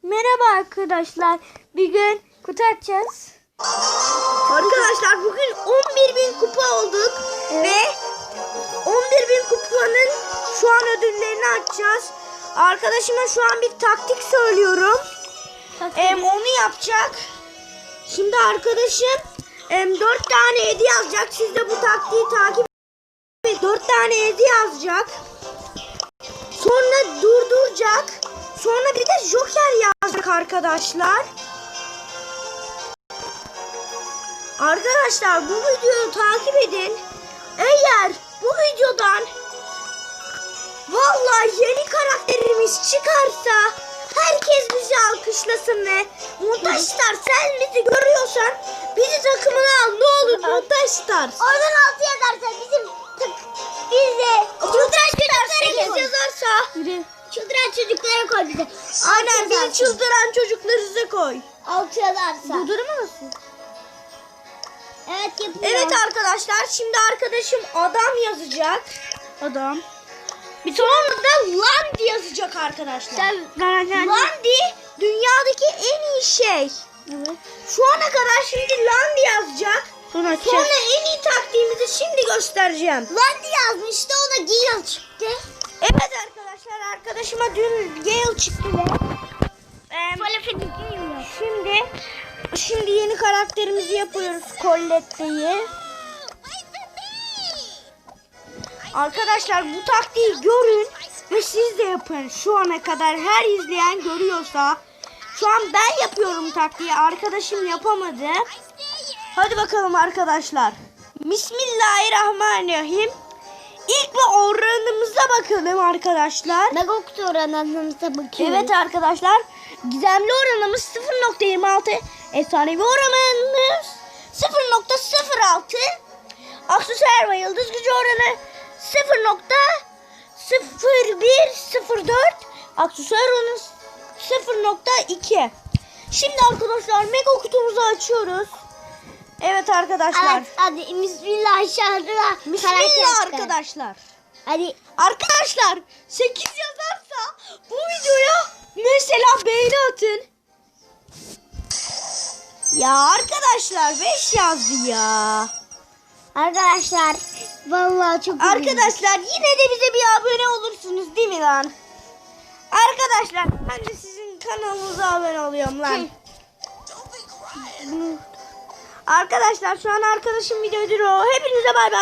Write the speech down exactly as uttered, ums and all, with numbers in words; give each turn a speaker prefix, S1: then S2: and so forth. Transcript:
S1: Merhaba arkadaşlar. Bir gün kutu açacağız.
S2: Arkadaşlar bugün on bir bin kupa olduk.
S1: Evet.
S2: Ve on bir bin kupanın şu an ödüllerini açacağız. Arkadaşıma şu an bir taktik söylüyorum. Em, onu yapacak. Şimdi arkadaşım em, dört tane hediye yazacak. Siz de bu taktiği takip edin. dört tane hediye yazacak. Sonra durduracak. Sonra bir de joker yazacak arkadaşlar. Arkadaşlar bu videoyu takip edin. Eğer bu videodan vallahi yeni karakterimiz çıkarsa herkes bizi alkışlasın ve Montaj Star, sen bizi görüyorsan bizi takımına al, ne olur Montaj Star.
S1: Oradan altı yazarsa bizim bize
S2: Montaj Star sekiz yazarsa
S1: Yürü.
S2: çıldıran çocuklara koy bize. Aynen, bizi çıldıran çocuklarınıza koy.
S1: altı yazarsa.
S2: Durduramazsın.
S1: Evet yapıyor.
S2: Evet arkadaşlar, şimdi arkadaşım adam yazacak.
S1: Adam.
S2: Bir sonra da Landi yazacak arkadaşlar.
S1: Sen garanti.
S2: Landi dünyadaki en iyi şey.
S1: Evet.
S2: Şu ana kadar şimdi Landi yazacak.
S1: Sonra açacağız.
S2: Sonra en iyi taktiğimizi şimdi göstereceğim.
S1: Landi yazmıştı, o da Gale çıktı.
S2: Evet arkadaşlar, arkadaşıma dün Gale çıktı ve em, şimdi şimdi yeni karakterimizi yapıyoruz, Colette'yi. Arkadaşlar bu taktiği görün ve siz de yapın. Şu ana kadar her izleyen görüyorsa, şu an ben yapıyorum taktiği, arkadaşım yapamadı. Hadi bakalım arkadaşlar. Bismillahirrahmanirrahim. İlk ve oranımıza bakalım arkadaşlar.
S1: Mega kutu oranlarımıza bakıyoruz.
S2: Evet arkadaşlar. Gizemli oranımız sıfır nokta yirmi altı. Efsanevi oranımız sıfır nokta sıfır altı. Aksesuar ve yıldız gücü oranı sıfır nokta sıfır bir sıfır dört. Aksesuar oranı sıfır nokta iki. Şimdi arkadaşlar mega kutumuzu açıyoruz. Evet arkadaşlar.
S1: Evet, hadi bismillah aşağıda.
S2: Bismillah arkadaşlar.
S1: Hadi.
S2: Arkadaşlar sekiz yazarsa bu videoya mesela beğeni atın. Ya arkadaşlar beş yazdı ya.
S1: Arkadaşlar vallahi çok
S2: Arkadaşlar yine de bize bir abone olursunuz değil mi lan? Arkadaşlar ben de sizin kanalınıza abone oluyorum lan. Arkadaşlar şu an arkadaşım videoyu duruyor. Hepinize bay bay.